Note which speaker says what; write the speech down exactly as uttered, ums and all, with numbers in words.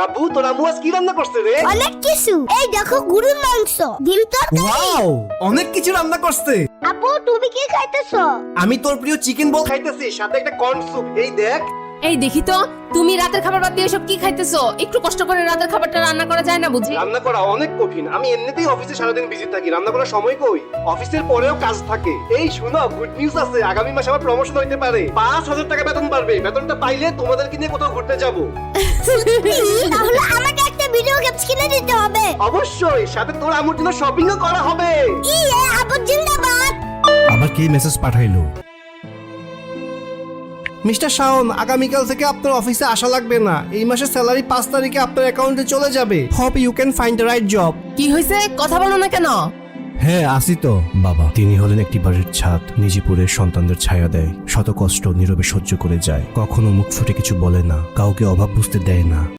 Speaker 1: আব্বু তোর আম্মু আজ কি রান্না করছে রে?
Speaker 2: অনেক কিছু। এই দেখো গরুর মাংস, ডিম তরকারি।
Speaker 1: ওয়াও, অনেক কিছু রান্না করছে।
Speaker 2: আপু তুমি কি খাইতেছো?
Speaker 1: আমি তোর প্রিয় চিকেন বল খাইতেছি, সাথে একটা কর্ন স্যুপ। এই দেখ।
Speaker 3: এই দেখি তো, তুমি রাতের খাবার বাদ দিয়ে এসব কি খাইতেছো? একটু কষ্ট করে রাতের খাবারটা রান্না করা যায় না বুঝি?
Speaker 1: রান্না করা অনেক কঠিন। আমি এমনিতেই অফিসে সারাদিন বিজি থাকি, রান্না করার সময় কই? অফিসের পরেও কাজ থাকে। এই শুনো, গুড নিউজ আছে, আগামী মাসে আমার প্রমোশন হইতে পারে। পাঁচ হাজার টাকা বেতন বাড়বে। বেতনটা পাইলে তোমাদেরকে নিয়ে কোথাও ঘুরতে যাব।
Speaker 2: তাহলে আমাকে একটা ভিডিও গেমস কিনে দিতে হবে।
Speaker 1: অবশ্যই, সাথে তোর আম্মুর জন্য শপিংও করা হবে।
Speaker 2: ইয়ে আপু জিন্দাবাদ।
Speaker 4: আবার কি মেসেজ পাঠাইলো?
Speaker 1: মিস্টার শাওন, আগামীকাল থেকে আপনার অফিসে আসা লাগবে না। এই মাসের স্যালারি পাঁচ তারিখে আপনার অ্যাকাউন্টে চলে যাবে। Hope you can find the right job.
Speaker 3: কি হয়েছে, কথা বলো না কেন?
Speaker 4: হ্যাঁ আসি তো। বাবা, তিনি হলেন একটি বাড়ির ছাদ, নিজিপুরের সন্তানদের ছায়া দেয়, শত কষ্ট নীরবে সহ্য করে যায়, কখনো মুখ ফুটে কিছু বলে না, কাউকে অভাব বুঝতে দেয় না।